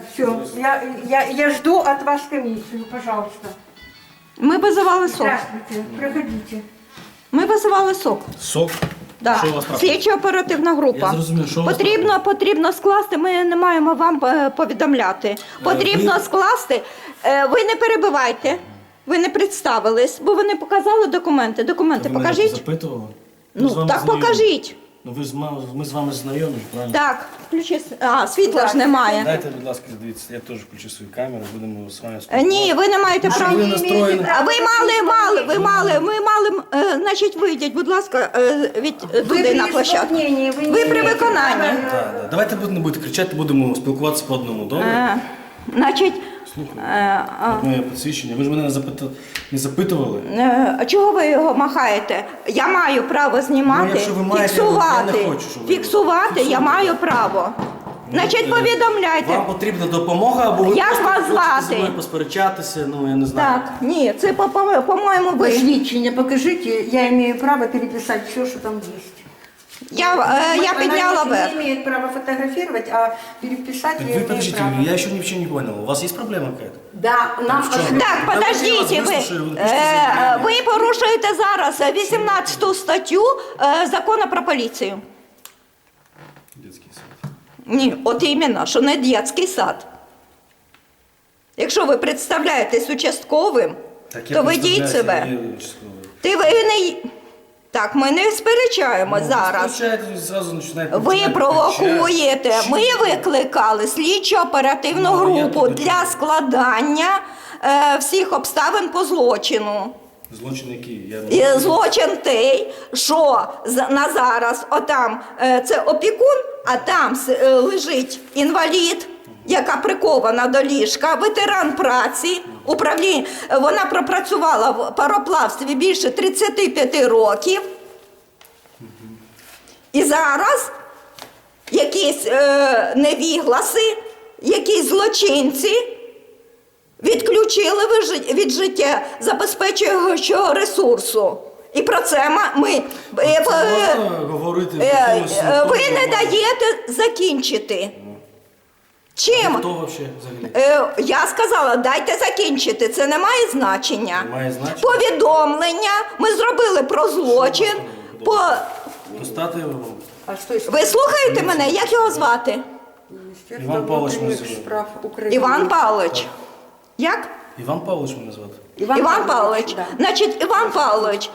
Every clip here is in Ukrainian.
все. Я жду от вас комиссию, пожалуйста. Ми визивали СОК. Здравствуйте, проходите. Ми визивали СОК. Сок? Да. Що у вас трапилось? Слідчо-оперативна група. Я зрозумів, що у вас Потрібно скласти, ми не маємо вам повідомляти. Потрібно скласти, ви не перебивайте, ви не представились, бо ви не показали документи. Документи Ви мене покажіть. запитували? Ми з Ну, вами так знайомі. покажіть. Ну, ми з вами знайомі, правильно? Так, включи, світла ж немає. Дайте, будь ласка, дивіться, я теж включу свою камеру, будемо з вами спілкуватися. Ні, ви не маєте права. ви настроєні? А ви мали, значить, вийдіть, будь ласка, туди на площадку. Ви при виконанні. Да. Давайте не будете кричати, будемо спілкуватися по одному, добре? Значить, От моє посвідчення. Ви ж мене не запитували? чого ви його махаєте? Я маю право знімати, Ну, якщо ви маєте, фіксувати. я не хочу, щоб ви Фіксувати я маю право. Значить, повідомляйте. Вам потрібна допомога, або ви Як просто вас хочете звати? зі мною посперечатися, ну я не знаю. Так, ні, це, по-моєму, ви. Посвідчення покажите, я имею право переписать все, что там есть. Я підняла Она вверх. не имеет права фотографировать, а переписать Так я вы имею подождите, право. я еще ничего не понял. У вас есть проблема какая-то? Да, нам в чём? ответ- Так, Давайте я вас подождіть, вислухаю, ви напишіть заявлення. ви порушуєте зараз 18 статтю Закону про поліцію. Детский сад. Ні, от іменно, що не дитячий сад. Якщо ви представляєтесь участковим, то ведіть себе. Ви не... Так, ми не сперечаємось зараз. Ви провокуєте. Ми викликали слідчо-оперативну групу для складання всіх обставин по злочину. Злочин який? І злочин той, що на зараз отам це опікун, а там лежить інвалід, яка прикована до ліжка, ветеран праці, управління. Вона пропрацювала в пароплавстві більше 35 років. І зараз якісь невігласи, якісь злочинці відключили від життя забезпечуючого ресурсу. І про це ми... Ви не даєте закінчити. Чим? Хто вообще взагалі? Я сказала, дайте закінчити, це не має значення. Не має значення? Повідомлення ми зробили про злочин. Достати його? А что если Ви слухаєте мене? Як його звати? Министерство Иван Павлович внутренних называют. справ Украины? Іван Павлович. Як? Іван Павлович мене звати. Іван Павлович. да. Значить, Іван Павлович,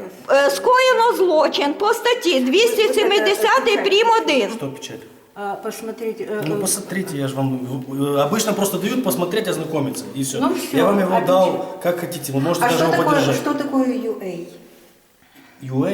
скоєно злочин по статті 270 прим. 1. Що печать? Посмотрите. Ну посмотрите, я же вам... Обычно просто дают посмотреть, ознакомиться, и все. Ну, всё. Я вам его А дал, как хотите, вы можете А даже его поддержать. что такое UA? UA,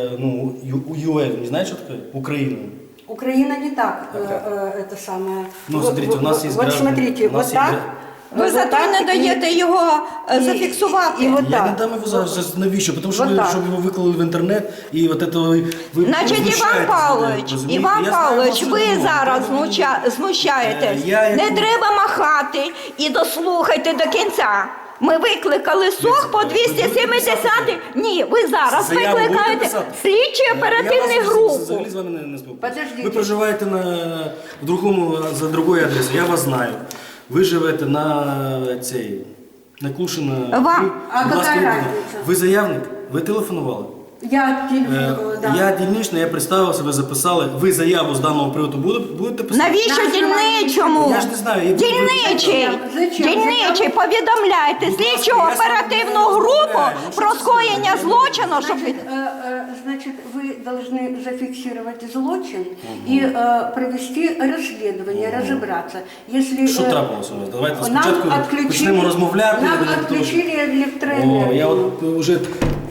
UA, не знаете, что такое? Украина. Украина не так, это самое. Ну, смотрите, у нас есть Вот граждане, смотрите, у нас вот есть так. Ви вот зато так не даєте його зафіксувати. і от Я так. не дам его зараз, навіщо? Потому что Вот вы, так. чтобы его выклали в интернет, и вот это вы Значить, Іван знущаєтесь Павлович, людей, розумієте? Іван Я знаю Павлович, вашу ви розмову. зараз знущаєтесь. Я Не яку- треба махати і дослухайте до кінця. Ми викликали СОК по 270. Ні, ви зараз Заяву будете викликаєте писати? слідчу оперативну Я вас групу. взагалі з вами не спілкуюся. Подождите. Ви проживаєте в другому, за другою адресою, я вас знаю. Ви живете на цей, на Клушина. Вам. А Будь ласка, яка йдіть. разниця? Ви заявник? Ви телефонували? Я телефон, да. Я дільничний, я представився, ви записали. Ви заяву з даного приводу будете писати? Навіщо дільничому? Я ж не знаю, я- Дільничий, Зачем? дільничий, повідомляйте Будь ласка, слідчу я сам оперативну не групу розмовляю. Ну, про що це скоєння за- злочину, щоб... Значит, вы должны зафиксировать злочин и провести расследование, разобраться. Если Що трапилося у вас? Давайте нам спочатку почнемо розмовляти. нам я буду отключили О, электроэнергию. я от вже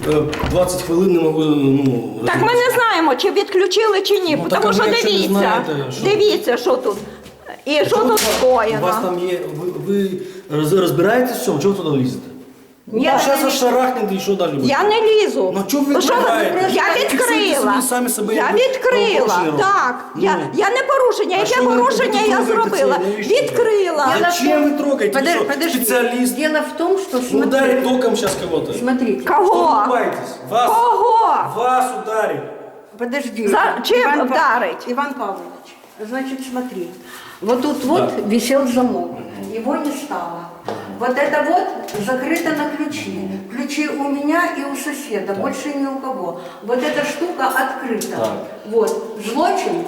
20 хвилин не можу, Так ми не знаємо, чи відключили, чи ні, Ну, так, тому а що ви якщо не дивіться, знаєте, що- дивіться, що тут. І що тут У вас скоєно. там є, ви розбираєтесь в цьому, чого ви туди лізете? Ні, А зараз я вас шарахнете і що далі буде? Я не лізу. Ну, чого ви Що відкриваєте? Я Фіксуйте відкрила. собі самі себе, Я як ви відкрила. правопорушення Так. робите. Я не порушення. А Яке що ви порушення я трогаєте зробила? це? Навіщо? Відкрила. Зачем вы трогаете? Вы что, Подожди. специалист? Дело в том, что Ну, ударит током сейчас кого-то. смотрите. Что Кого? вы улыбаетесь? Вас. Кого? Вас ударит. Подожди. За чем Иван вдарить? Иван Павлович, значит, смотри. Вот тут вот висел замок, его не стало. Вот это вот закрыто на ключи. Ключи у меня и у соседа, больше ни у кого. Вот эта штука открыта. Так. Вот, злочин.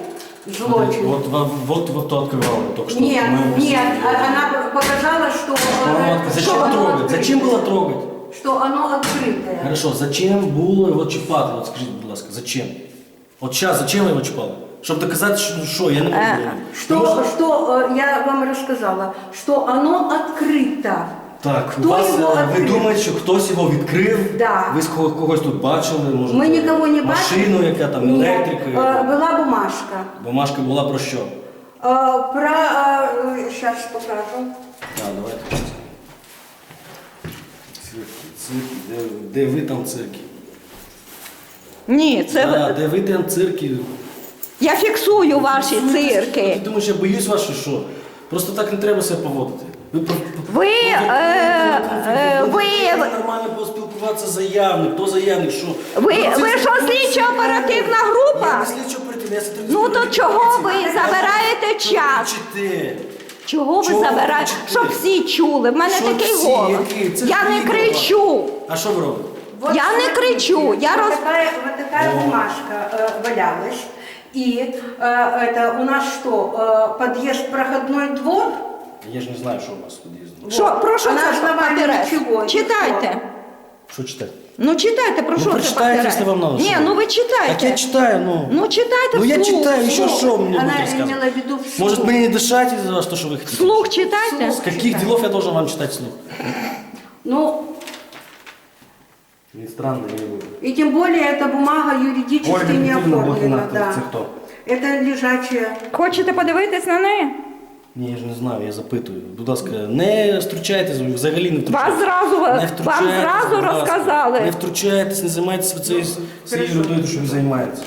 Вот то открывала только что. Нет, Мы- нет, она показала, что, Зачем оно трогать? открыто. Зачем было трогать? Что оно открытое. Хорошо, зачем було його чіпати? От скажіть, будь ласка, зачем? От зараз, зачем ви його чіпали? Щоб доказати, що я не можу. Что я вам рассказала, что оно открыто. Так, Хто у вас, його ви відкрив? думаєте, що хтось його відкрив? Да. Ви когось тут бачили? Може, Мы никого не бачили. машину, яка там, Нет, електрика? была бумажка. Бумажка була про що? Сейчас покажу. Так, давайте. Цирки. Де ви там цирки? Ні, це Да, де ви там цирки? я фіксую ваші цирки. Ти думаєш, я боюсь вас, чи що? Просто так не треба себе поводити. Ви нормально поспілкуватися з заявник, хто заявник, що? Ви що, слідчо-оперативна група? Я не слідчо-оперативна, я сотрудник Ну то поліції. чого ви забираєте час? Кричите. Чого ви Чого ви забираєте? кричите? Щоб всі чули. В мене Що такий всі? голос. Який? Це Я не відео. кричу. А що ви робите? Вот Я не смотрите, кричу, я вот такая бумажка валялась. И это у нас что, подъезд, проходной двор? Я ж не знаю, що у вас тут є. Що, про що А на це основании папірець? чого? Читайте. Що читати? Ну читайте, про Ну, що це прочитайте, папірець? якщо вам надо, Ні, що? ну ви читайте. Так я читаю, ну. Ну читайте Ну я вслух. читаю, еще Вслух. что мне Она будете имела в рассказывать? виду вслух. Может мне не дышать из-за вас, то, что вы хотите? Вслух читайте. С каких делов я должен вам читать вслух? Ну, Не странно, не и тем более эта бумага юридически Ольга не Дмитриевна оформлена. Блохина, Да. це хто? Это лежачая. Хочете подивитись на неї? Ні, я ж не знаю, я запитую. Будь ласка, не втручайтесь, ви взагалі не втручайтесь. Вам зразу будь ласка. розказали. Не втручайтесь, не займайтеся цією ерундою, що ви займаєтесь.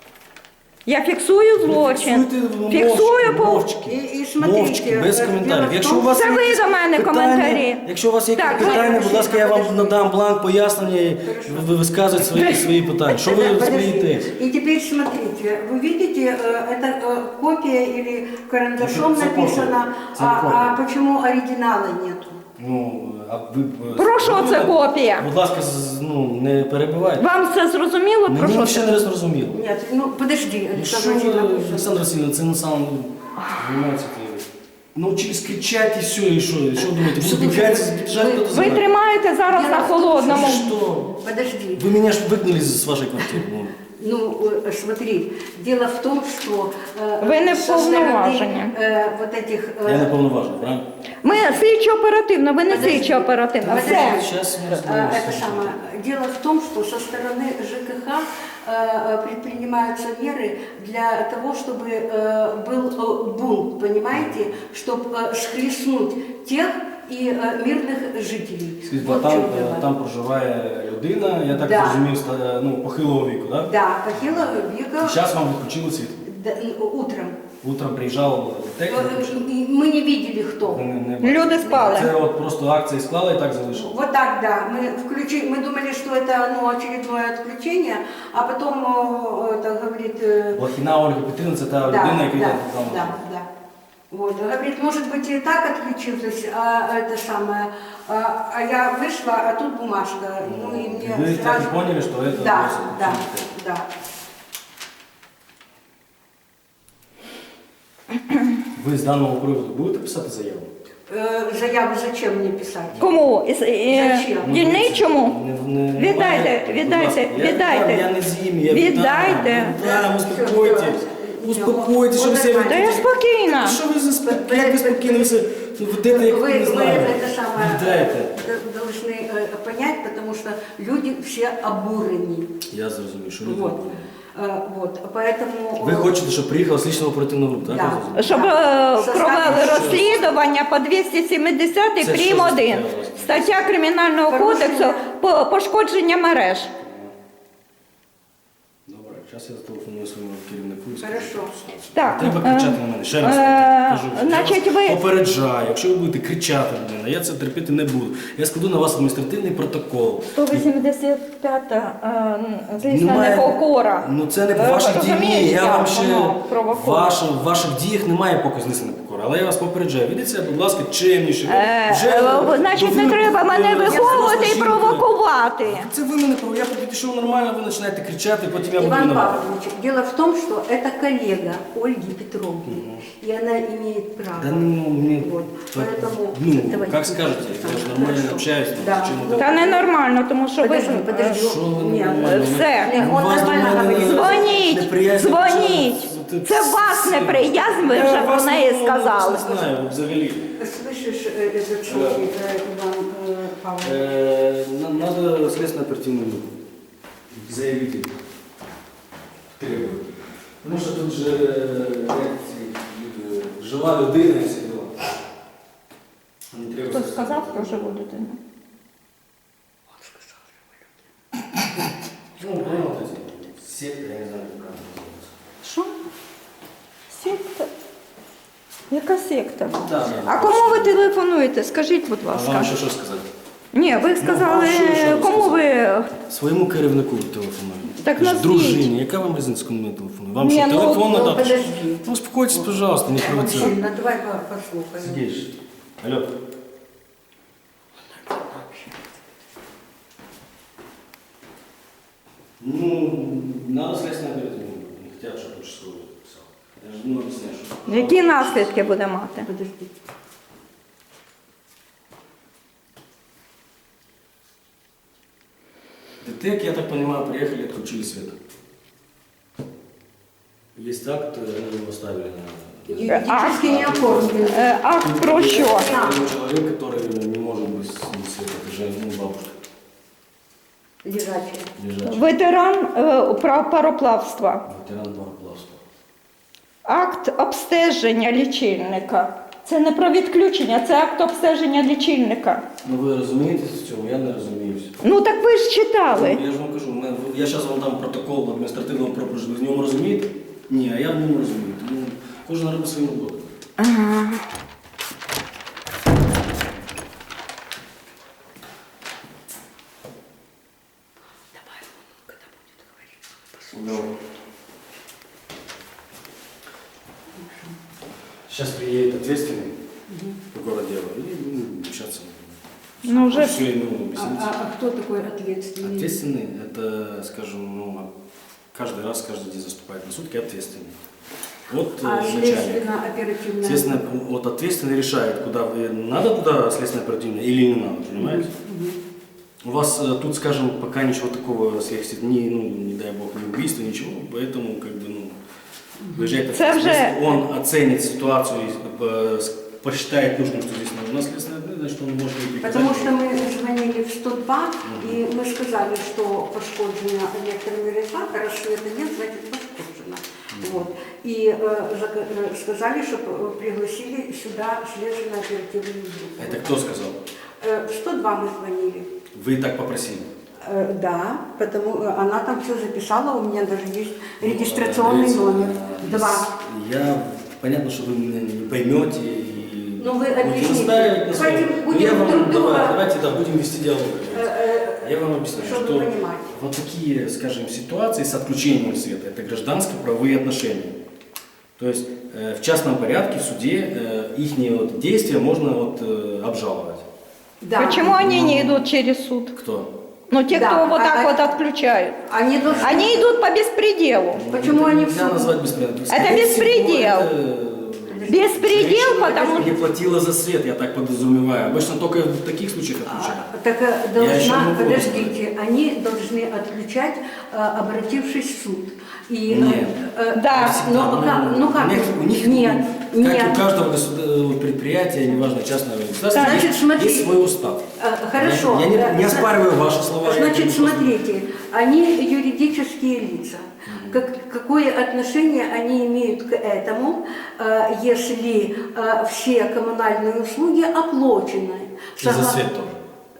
Я фіксую злочин. Фіксую по... мовчки. І смотрите, Мовчки, без дело в коментарів. тому, Якщо у вас Це є ви якісь до мене питання, коментарі. Якщо у вас є Так, якісь питання, будь ласка, я вам подождите. надам бланк пояснення, і ви висказуєте свої питання. Що ви Подождите. смієтесь? И теперь смотрите, вы видите, это копия или карандашом Это копия. написано, Это копия. а почему оригинала нету? Ну, а ви... Про що це копія? Будь ласка, не перебивайте. Вам це зрозуміло? Про Мені що взагалі це? не зрозуміло. Нет, ну подожди, Ну, що Александр ви, Васильевич. Олександр Васильович, це на самом займається. Научились кричать і все, і що? І що думаєте? Буду бігати, біжати, хто-то Ви забрати? тримаєте зараз на холодному. Що? Подожди. Ви мене ж вигнали з вашої квартири. Ну. Ну, смотри, дело в том, что Вы не со стороны, вповноважені. вот этих... Я не повноважений, правильно? Ми слідчо-оперативно, ви не Подожди. слідчо-оперативно. Подожди. Все. Сейчас мы Это разберемся. самое. Дело в том, что со стороны ЖКХ предпринимаются меры для того, чтобы был бунт, понимаете, чтобы схлестнуть тех и мирных жителей. Скажіть, Вот в там, чём дело. там проживає людина, я так Да. розумів, ну, похилого віку, так? Да, похилого века. Зараз вам відключили світло. Да, утром. Утром приїжджав технік. Мы не видели, кто. Люди спали. Це от просто акції склали і так залишили. Вот так, да. Мы думали, что это очередное отключение, а потом это говорит... Лохіна Ольга Петрівна, це та людина, яка там. да. Вот, говорит, может быть и так отключилась, а это самое, а я вышла, а тут бумажка, ну и мне Вы так сразу... и поняли, что это Да, просто да, отключение. да. Ви з даного приводу будете писати заяву? Заяву зачем мне писать? Кому? Зачем? Дільничому? Віддайте, Віддайте. Я не з'їм, я Віддайте. віддам, успокойтесь. Успокойтесь, що ви себе Та я спокійна. Що ви за як ви спокійно, ви себе ведете, як Вы не знаю. это самое Віддайте. должны понять, потому что люди все обурены. Я зрозумів, що люди Вот. будуть. Вот, поэтому... Ви хочете, щоб приїхала слідчо оперативна група, так? Да. я зрозумів? Щоб провели розслідування по 270 Це прим. що за 1. стаття? Стаття Кримінального кодексу пошкодження мереж. Добре, зараз я зателефоную своєму керівнику. і скажу, Хорошо. що це. Так, Треба кричати на мене. Ще раз кажу. значить, Я вас ви- попереджаю, якщо ви будете кричати на мене, я це терпіти не буду. Я складу на вас адміністративний протокол. 185 звісно, Немає- непокора. Ну це не по ваших діях. Розумієте, Я вам ще воно провокує? в ваших діях немає поки знесена покора. договору. Але я вас попереджаю, ведіться, будь ласка, чемніше. Значить, не треба мене виховувати і провокувати. Це ви мене провокуєте. Я підійшов нормально, ви починаєте кричати, потім я буду Иван виноват. Павлович, дело в том, что это коллега Ольги Петровны, и она имеет право. Да ну, мне... Вот, поэтому... Ну, давайте. как скажете, я же нормально Хорошо. общаюсь. ну, Да. зачем Ну, это? Та ненормально, тому що ви... Подожди. Що ви Нет, нормально? Все. Нет, он У вас до нормально мене говорит. Дзвоніть, неприязнь дзвоніть. почалась. Це вас неприязнь, ви Я вже про вас неї не сказали. знаю, взагалі. Слышишь, этот случай, Иван Павлович? Надо следственно-оперативную группу. Заявитель требует. Потому что тут же жила людина і всі діла. Вони требують Хто сказав про живу дитину? Ну, понял, вот эти секты, я не знаю, как это называется. Що? Секта? Яка секта? Да, А кому ви телефонуєте? Скажіть, будь А ласка. вам ще що сказати? Ні, ви сказали, що ви кому ви... Своєму керівнику телефоную. Так Ж назвіть. дружині, яка вам різниця, кому я телефоную? Вам Ні, що, ну, телефон ну, надати? подожди. Ну, успокойтесь, пожалуйста, не провоцируйте. Мужчина, давай послухаем. Сидишь. Алло. Ну, надо следственное оперативное. Не хотят, чтобы участковый писал. Я же ну, объясняю, что... Які наслідки буде мати? Подожди. ДТЭК, я так понимаю, приехали, отключили свет. Есть акт, они его ставили на... Юридически не оформлен. Акт про що? Человек, который не может быть с света, это же ну, бабушка Лежачий. лежачая. Ветеран пароплавства. Ветеран пароплавства. Акт обстеження лічильника. Це не про відключення, це акт обстеження лічильника. Ну ви розумієтеся в цьому, я не розуміюся. Ну так ви ж читали. Я ж вам кажу, я зараз вам дам протокол адміністративного правопорушення. Ви в ньому розумієте? Ні, а я в ньому розумію. Тому кожен робить свою роботу. Ага. Сейчас приедет ответственный прокурор дела и будем общаться. Ну вже Все ему объяснить. А кто такой ответственный? Ответственный, это, скажем, ну, каждый раз, каждый день заступает на сутки ответственный. Вот А начальник. следственно-оперативная? Естественно, вот ответственный решает, куда вы, надо туда следственно-оперативное или не надо, понимаете? У вас тут, скажем, пока ничего такого сверхъестественного, ну, не дай бог, ни убийства, ничего, поэтому, как бы, ну, выезжает Це вже- если он оценит ситуацию, посчитает нужным, что здесь нужна следственная ответственность, значит, он может и приказать. Потому что мы звонили в 102, и мы сказали, что пошкоджена электромережа, раз света нет, значит пошкоджена. Вот. И сказали, чтобы пригласили сюда следственно-оперативную группу. Это кто сказал? В 102 мы звонили. Вы так попросили? Да, потому она там все записала, у меня даже есть регистрационный номер. 2. Понятно, что вы меня не поймете и Ну, вы будете объясните. настаивать на своем. Давайте Ну, будем я вам, друг друга- давайте, да, будем вести диалог. Я вам объясню, чтобы что понимать. вот такие, скажем, ситуации с отключением света, это гражданско-правовые отношения. То есть в частном порядке в суде их вот действия можно вот, обжаловать. Да. Почему они не идут через суд? Кто? Ну, те, Да, кто вот так а- вот отключают. Они должны... Они идут по беспределу. Почему они в Нельзя суд? назвать беспредел. Это беспредел. Беспредел, Женщина, потому которая что... не платила за свет, я так подразумеваю. Обычно только в таких случаях отключают. Так Я еще должна, могу подождите, они должны отключать, обратившись в суд. И, Нет. Да. Но, ну как? У них, Нет, как и нет. у каждого предприятия, неважно, частного или государственного, Значит, смотри. есть свой устав. Хорошо. Я не оспариваю ваши слова. я Значит, говорю просто- смотрите, они юридические лица. Какое отношение они имеют к этому, если все коммунальные услуги оплачены? И за свет тоже.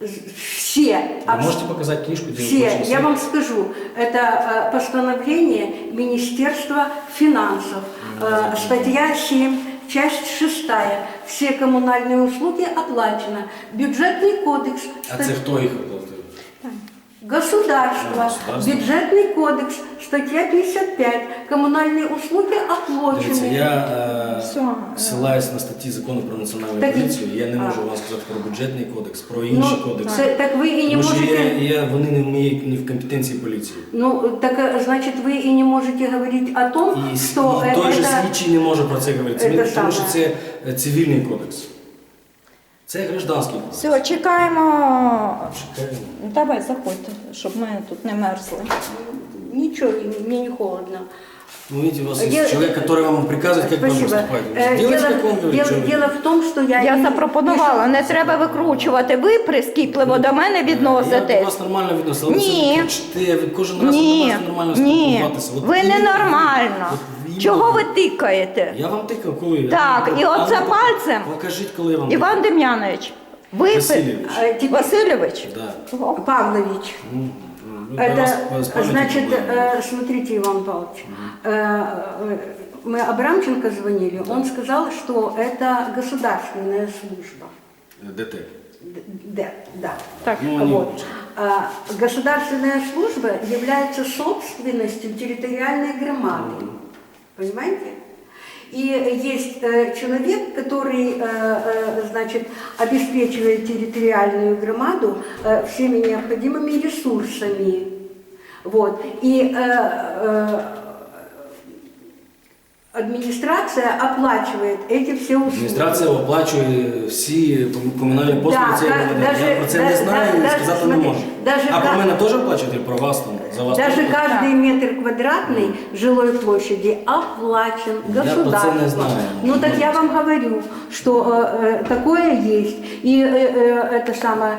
Все. Вы можете показать книжку, где Все, оплачен я свет? вам скажу, это постановление Министерства финансов, статья 7, часть 6. Все коммунальные услуги оплачены. Бюджетный кодекс. А це хто їх оплатив? Государство, Государство. бюджетный кодекс, статья 55, коммунальные услуги Дивіться, оплачены. я Все. ссилаюсь на статті закону про національну Так, поліцію. Я не можу вам сказати про бюджетний кодекс, про інші кодекси. так вы и не Тому що можете... вони не в моїй не в компетенції поліції. Ну, так значит, вы и не можете говорить о том, І, что і той же это... слідчий не може про це говорити, Це тому що саме. це цивільний кодекс. Це гражданський кодекс. Все, чекаємо. Чекаємо. Давай, заходьте, щоб ми тут не мерзли. Ничего, мне не холодно. Ну, видите, у вас Я- есть человек, который вам приказывает, как вам Спасибо. поступать. Делайте, как он говорит. что вы- Дело в том, что я... Я не- запропонувала, не треба викручувати. Ви прискіпливо до мене Я до відноситесь. вас нормально відносився, але Ні. ви кричите, ви кожен раз Ні, намагаєтеся нормально ні, спілкуватися. От ви іменно ненормально. от іменно Чого ви тикаєте? Я вам тикав, коли? Так, і оце А ну, пальцем. Покажіть, коли я вам Іван Дем'янович, ви... Васильович. Васильович? Да. Павлович. Ну, я вас Это, с памятью значит, помню. смотрите, Иван Павлович, мы Абрамченко звонили, он сказал, что это государственная служба. ДТ. Да. Так, Ну, они Вот. лучше. Государственная служба является собственностью территориальной громады. Понимаете? И есть человек, который, значит, обеспечивает территориальную громаду всеми необходимыми ресурсами. Вот. И администрация оплачивает эти все услуги. Адміністрація оплачує всі комунальні послуги Да, цієї громади. даже- Я про це не да- знаю і даже, сказати не смотри, можу. даже А про как- мене теж оплачуєте? Про вас там? За вас Даже теж? каждый метр квадратный жилой площади оплачен Я про це государством. не знаю. Ну так я вам говорю, что такое есть. И это самое.